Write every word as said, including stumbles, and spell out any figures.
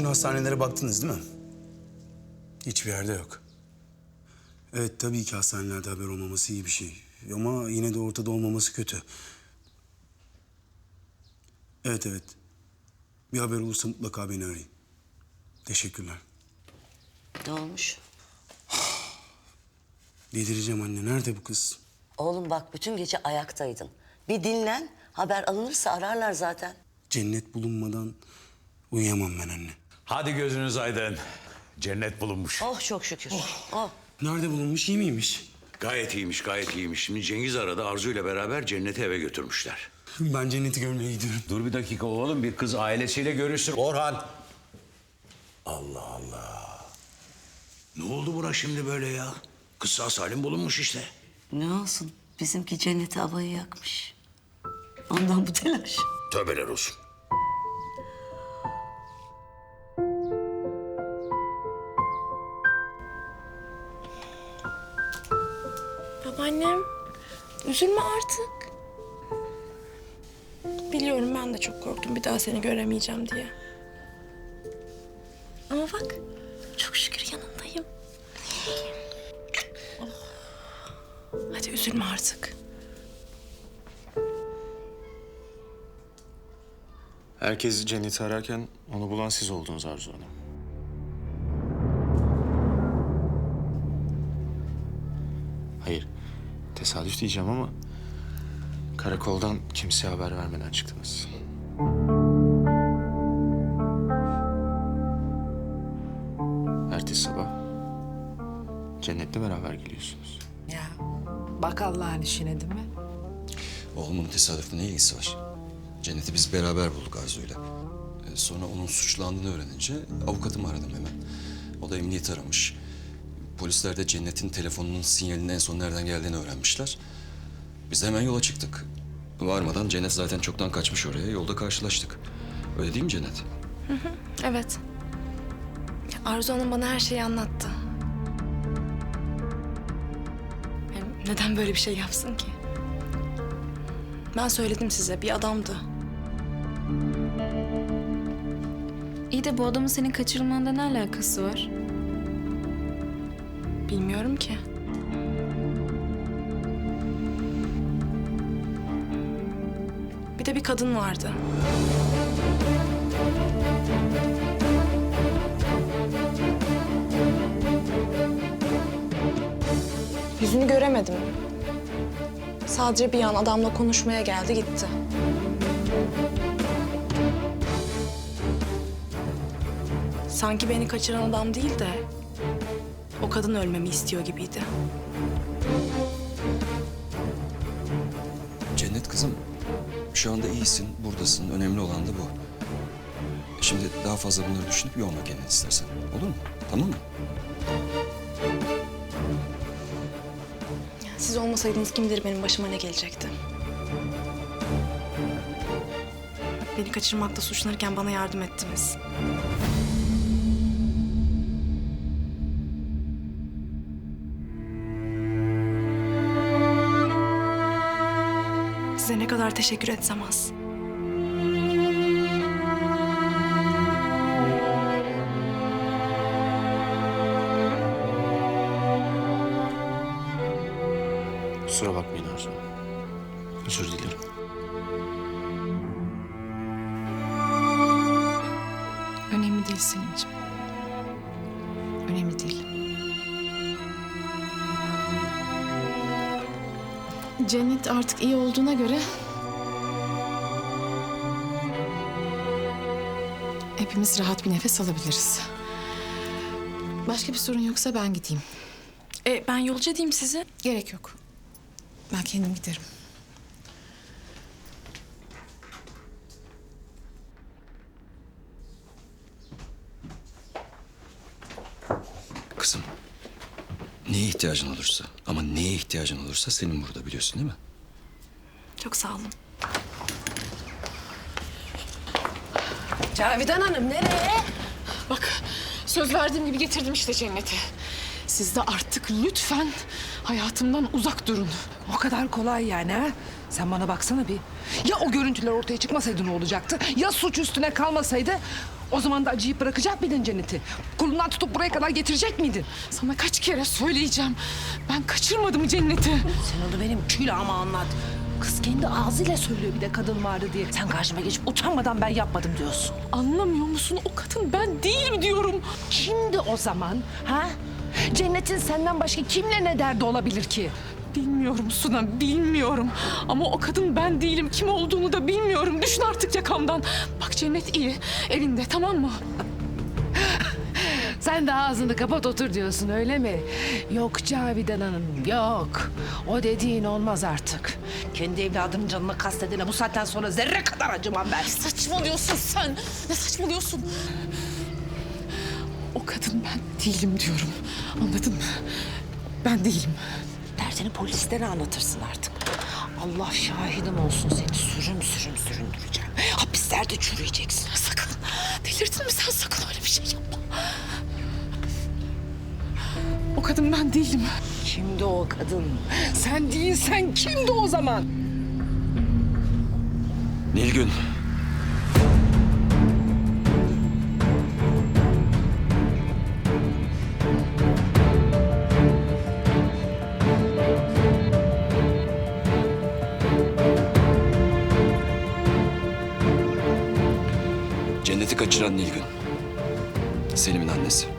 hastanelere baktınız değil mi? Hiçbir yerde yok. Evet, tabii ki hastanelerde haber olmaması iyi bir şey. Ama yine de ortada olmaması kötü. Evet, evet. Bir haber olursa mutlaka beni arayın. Teşekkürler. Ne olmuş? Delireceğim anne. Nerede bu kız? Oğlum bak bütün gece ayaktaydın. Bir dinlen, haber alınırsa ararlar zaten. Cennet bulunmadan uyuyamam ben anne. Hadi gözünüz aydın. Cennet bulunmuş. Oh çok şükür. Oh. Nerede bulunmuş? İyi miymiş? Gayet iyiymiş, gayet iyiymiş. Şimdi Cengiz aradı, Arzu ile beraber Cennet'i eve götürmüşler. Ben Cennet'i görmeye gidiyorum. Dur bir dakika oğlum, bir kız ailesiyle görüşsün. Orhan. Allah Allah. Ne oldu buna şimdi böyle ya? Kız sağ salim bulunmuş işte. Ne olsun, bizimki Cennet'e havayı yakmış. Ondan bu telaş. Tövbeler olsun. Babaannem, üzülme artık. Biliyorum ben de çok korktum bir daha seni göremeyeceğim diye. Ama bak, çok şükür yanındayım. Oh. Hadi üzülme artık. Herkes Cennet'i ararken onu bulan siz oldunuz Arzu Hanım. Hayır, tesadüf diyeceğim ama karakoldan kimseye haber vermeden çıktınız. Ertesi sabah Cennet'le beraber geliyorsunuz. Ya bak Allah'ın işine değil mi? Oğlumun tesadüfle ne ilgisi var? Cennet'i biz beraber bulduk Arzu'yla. Ee, sonra onun suçlandığını öğrenince avukatımı aradım hemen. O da emniyeti aramış. Polisler de Cennet'in telefonunun sinyalinin en son nereden geldiğini öğrenmişler. Biz de hemen yola çıktık. Varmadan Cennet zaten çoktan kaçmış oraya. Yolda karşılaştık. Öyle değil mi Cennet? Hı hı, evet. Arzu Hanım bana her şeyi anlattı. Hem neden böyle bir şey yapsın ki? Ben söyledim size, bir adamdı. İyi de bu adamın senin kaçırılmanda ne alakası var? Bilmiyorum ki. Bir de bir kadın vardı. Yüzünü göremedim. Sadece bir an adamla konuşmaya geldi gitti. Sanki beni kaçıran adam değil de o kadın ölmemi istiyor gibiydi. Cennet kızım, şu anda iyisin, buradasın. Önemli olan da bu. Şimdi daha fazla bunları düşünüp yorma kendini istersen. Olur mu? Tamam mı? Siz olmasaydınız kim bilir benim başıma ne gelecekti. Beni kaçırmakla suçlanırken bana yardım ettiniz. Size ne kadar teşekkür etsem az. Kusura bakmayın Arzu Hanım. Özür dilerim. Önemli değil Selimciğim. Önemli değil. Cennet artık iyi olduğuna göre hepimiz rahat bir nefes alabiliriz. Başka bir sorun yoksa ben gideyim. E, ben yolcu edeyim sizi. Gerek yok. Ben kendim giderim. Kızım, neye ihtiyacın olursa ama neye ihtiyacın olursa senin burada biliyorsun değil mi? Çok sağ olun. Cavidan Hanım nereye? Bak söz verdiğim gibi getirdim işte Cennet'i. Siz de artık lütfen hayatımdan uzak durun. O kadar kolay yani ha? Sen bana baksana bir. Ya o görüntüler ortaya çıkmasaydı ne olacaktı? Ya suç üstüne kalmasaydı? O zaman da acıyıp bırakacak mıydın Cennet'i? Kolundan tutup buraya kadar getirecek miydin? Sana kaç kere söyleyeceğim. Ben kaçırmadım Cennet'i. Sen onu benim külahıma anlat. Kız kendi ağzıyla söylüyor bir de kadın vardı diye. Sen karşıma geçip utanmadan ben yapmadım diyorsun. Anlamıyor musun? O kadın ben değilim diyorum. Şimdi o zaman ha? Cennet'in senden başka kimle ne derdi olabilir ki? Bilmiyorum Suna, bilmiyorum. Ama o kadın ben değilim. Kim olduğunu da bilmiyorum. Düşün artık yakamdan. Bak Cennet iyi. Evinde, tamam mı? Sen de ağzını kapat otur diyorsun öyle mi? Yok Cavidan Hanım yok. O dediğin olmaz artık. Kendi evladının canını kastedene bu saatten sonra zerre kadar acımam ben. Saçmalıyorsun sen. Ne saçmalıyorsun? O kadın ben değilim diyorum. Anladın mı? Ben değilim. Derdini polislere anlatırsın artık. Allah şahidim olsun seni sürüm sürüm süründüreceğim. Hapislerde çürüyeceksin. Sakın. Delirdin mi sen? Sakın öyle bir şey yapma. O kadın ben değilim. Kimdi o kadın? Sen değilsen kimdi o zaman? Nilgün. Cennet'i kaçıran Nilgün. Selim'in annesi.